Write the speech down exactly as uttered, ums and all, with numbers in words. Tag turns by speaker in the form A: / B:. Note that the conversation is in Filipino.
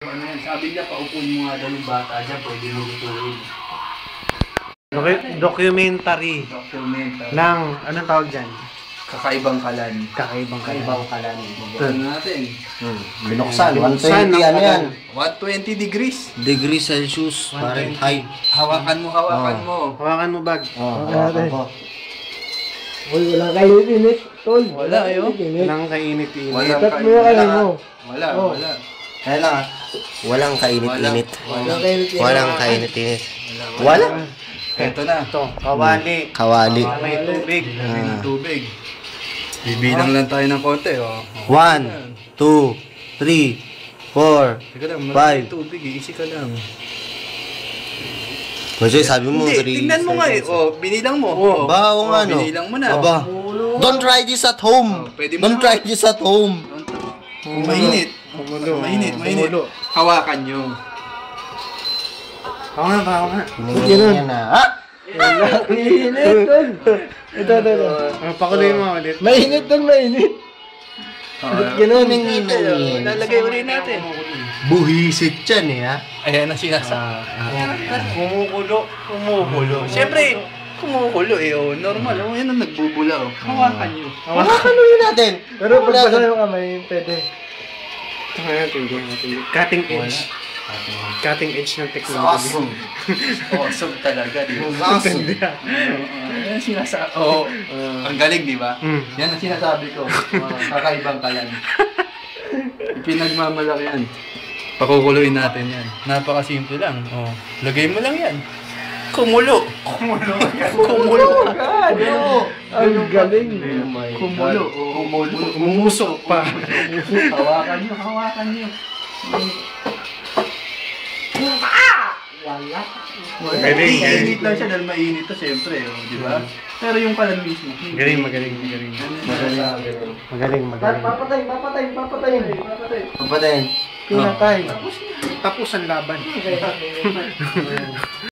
A: ano yan. Sabi niya, paupuin mo nga daw yung bata dyan, pwede lutuin.
B: Documentary.
A: Documentary.
B: Ng, anong tawag dyan?
A: Kakaibang kalan.
B: Kakaibang kalan.
A: Kakaibang kalan. Buksan natin.
C: Hmm. Binuksan. one twenty ano yan?
A: one twenty degrees.
C: Degree Celsius. Fahrenheit.
A: Hawakan mo, hawakan mo.
B: Hawakan mo bag.
C: Oh, hawakan ko.
D: Uy, walang kainit-init, tol.
A: Wala, ayo.
B: Walang kainit-init.
A: Walang
D: Cut mo yung kalay mo.
A: Wala,
D: Oh.
A: wala.
C: Kaya lang ah. Walang kainit-init.
D: Walang kainit-init.
C: Walang kainit-init. Wala?
A: Ito na.
B: Ito, kawali.
C: Kawali.
B: May tubig.
A: Lagay ng tubig. Bibilang lang tayo ng konti, oh.
C: One, two, three, four,
A: Teka lang,
C: five.
A: maraming tubig, eh. Easy ka lang.
C: Kasi sabi mo,
A: Hindi,
C: three
A: tingnan mo nga eh. Oh, binilang mo.
C: Oh, ba, oo nga, no?
A: Binilang mo na.
C: Aba. Don't try this at home.
A: Oh, pwede mo
C: Don't
A: na.
C: try this at home.
A: Kung mainit.
B: Kumulo.
A: Mainit, mainit.
B: Kumulo.
A: Hawakan nyo.
B: Ako nga, ako nga.
C: Tingnan na. Ha?
D: Mainit, tol. Ito, ito, ito.
B: Uh, pakuloy mo ulit.
D: Mainit, tol, mainit.
C: Ganun ang
A: Oh, lalagay ulit natin.
C: Buhisit yan eh ha.
A: Ayan ang sinasabi.
B: Kumukulo.
A: Kumukulo. Siyempre, kumukulo eh. Oh. Normal. Oh, yan ang nagbubula. Oh. Hawakan nyo.
C: Hawakan ulit natin.
D: Pero pag basa yung kamay, pwede.
B: Ito nga natin, ito natin. Cutting edge. Cutting edge ng technology.
A: Awesome. Awesome talaga, di ba?
C: Awesome.
A: Yan ang sinasabi. Oo. Ang galing, di ba?
B: Mm.
A: Yan ang sinasabi ko. Uh, kakaibang kalan. Pinagmamalaki yan. Pakukuluin natin yan. Napakasimple lang. Oh. Lagay mo lang yan. Kumulo. Kumulo. Kumulo.
D: Ano? Ang galing.
A: Kumulo. Kumulo.
B: Umumusok pa.
A: Hawakan nyo. Hawakan nyo.
D: Wala.
B: Magaling,
A: Mainit lang siya dahil mainit to siyempre. Oh, di ba? Pero yung kalan mismo.
B: Magaling, magaling, magaling.
A: Magaling.
B: Magaling, magaling.
D: Papatay, papatay, papatay.
C: Papatayin.
D: Pinatay.
B: Tapos ang laban.